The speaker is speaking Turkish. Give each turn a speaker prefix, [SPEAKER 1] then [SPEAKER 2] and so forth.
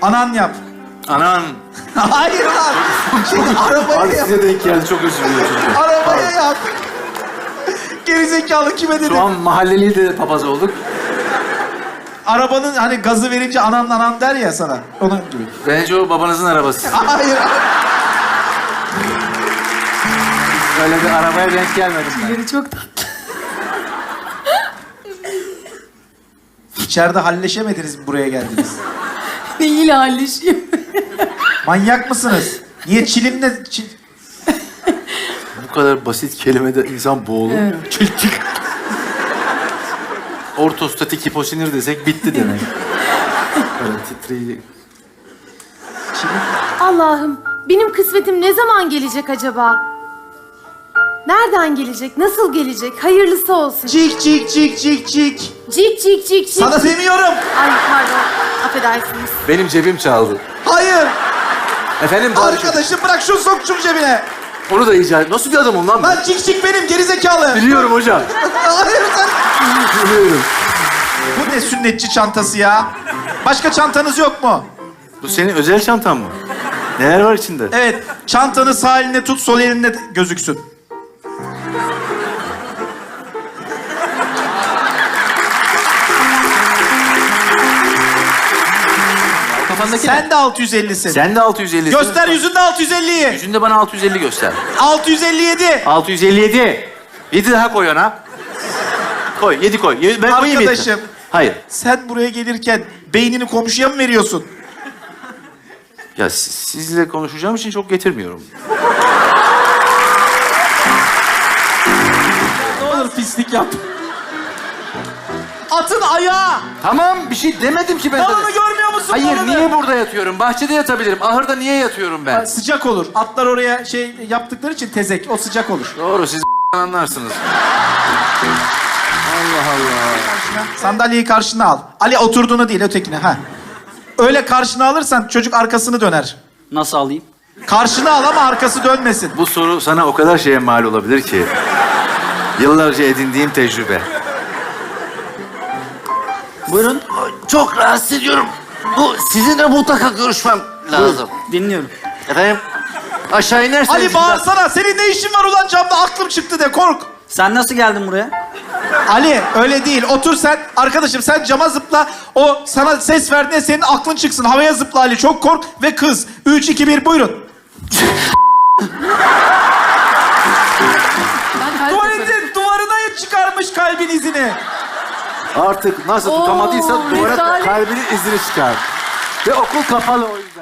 [SPEAKER 1] Anan yap.
[SPEAKER 2] Anan.
[SPEAKER 1] Hayır lan. Şimdi
[SPEAKER 2] Abi
[SPEAKER 1] arabaya yap.
[SPEAKER 2] size denk geldi, çok özür diliyorum.
[SPEAKER 1] Arabaya yap. Gerizekalı kime dedi?
[SPEAKER 2] Şu an mahalleli de papaz olduk.
[SPEAKER 1] Arabanın hani gazı verince anan der ya sana. Onun gibi.
[SPEAKER 2] Bence o babanızın arabası.
[SPEAKER 1] Hayır.
[SPEAKER 2] Öyle bir arabaya denk gelmedim ben.
[SPEAKER 3] Biri çok tatlı.
[SPEAKER 1] İçeride halleşemediniz mi buraya geldiniz?
[SPEAKER 3] Neyle halleşiyor?
[SPEAKER 1] Manyak mısınız? Niye çilimle...
[SPEAKER 2] Bu kadar basit kelimede insan boğulur.
[SPEAKER 3] Evet.
[SPEAKER 2] Çiltik. Ortostatik hiposinir desek bitti demek. Böyle titreyici.
[SPEAKER 4] Allah'ım, benim kısmetim ne zaman gelecek acaba? Nereden gelecek? Nasıl gelecek? Hayırlısı olsun.
[SPEAKER 1] Cik cik cik cik cik.
[SPEAKER 4] Cik cik cik cik.
[SPEAKER 1] Sana demiyorum.
[SPEAKER 4] Ay pardon, affedersiniz.
[SPEAKER 2] Benim cebim çaldı.
[SPEAKER 1] Hayır.
[SPEAKER 2] Efendim Tarık?
[SPEAKER 1] Arkadaşım bırak şunu sok şunu cebine.
[SPEAKER 2] Onu da icat. Nasıl bir adamım lan ben?
[SPEAKER 1] Lan cik cik benim gerizekalı.
[SPEAKER 2] Biliyorum hocam.
[SPEAKER 1] Hayır sen...
[SPEAKER 2] Biliyorum.
[SPEAKER 1] Bu ne sünnetçi çantası ya? Başka çantanız yok mu?
[SPEAKER 2] Bu senin özel çantan mı? Neler var içinde?
[SPEAKER 1] Evet. Çantanı sağ eline tut, sol elinle gözüksün.
[SPEAKER 2] Kafandaki
[SPEAKER 1] Sen de 650'sin.
[SPEAKER 2] Sen de 650'sin.
[SPEAKER 1] Göster yüzünde 650'yi.
[SPEAKER 2] Yüzünde bana 650 göster.
[SPEAKER 1] 657.
[SPEAKER 2] 657. 7 daha koy ona. Koy, 7 koy. Ben koyayım 7.
[SPEAKER 1] Arkadaşım.
[SPEAKER 2] Hayır.
[SPEAKER 1] Sen buraya gelirken beynini komşuya mı veriyorsun?
[SPEAKER 2] Ya sizle konuşacağım için çok getirmiyorum.
[SPEAKER 1] Ne olur pislik yap. Atın ayağı.
[SPEAKER 2] Tamam, bir şey demedim ki ben
[SPEAKER 1] Dalını
[SPEAKER 2] sana.
[SPEAKER 1] görmüyor musun?
[SPEAKER 2] Hayır,
[SPEAKER 1] dalını?
[SPEAKER 2] niye burada yatıyorum? Bahçede yatabilirim. Ahırda niye yatıyorum ben?
[SPEAKER 1] Sıcak olur. Atlar oraya şey yaptıkları için tezek. O sıcak olur.
[SPEAKER 2] Doğru, siz anlarsınız. Allah Allah.
[SPEAKER 1] Sandalyeyi karşına al. Ali oturduğunu değil, ötekine. Ha. Öyle karşına alırsan çocuk arkasını döner.
[SPEAKER 5] Nasıl alayım?
[SPEAKER 1] Karşına al ama arkası dönmesin.
[SPEAKER 2] Bu soru sana o kadar şeye mal olabilir ki. Yıllarca edindiğim tecrübe.
[SPEAKER 5] Buyurun.
[SPEAKER 6] Çok rahatsız ediyorum. Sizinle mutlaka görüşmem lazım.
[SPEAKER 5] Dinliyorum.
[SPEAKER 6] Efendim? Aşağı inerseniz...
[SPEAKER 1] Ali bağırsana. Senin ne işin var ulan camda? Aklım çıktı de kork.
[SPEAKER 5] Sen nasıl geldin buraya?
[SPEAKER 1] Ali öyle değil. Otur sen. Arkadaşım sen cama zıpla. O sana ses verdiğinde senin aklın çıksın. Havaya zıpla Ali. Çok kork ve kız. 3, 2, 1 buyurun. Tuvaletin duvarına çıkarmış kalbin izini.
[SPEAKER 2] Artık nasıl
[SPEAKER 3] Oo,
[SPEAKER 2] tutamadıysa duvara
[SPEAKER 3] rezalet.
[SPEAKER 2] kalbinin izini çıkar. Ve okul kapalı o yüzden.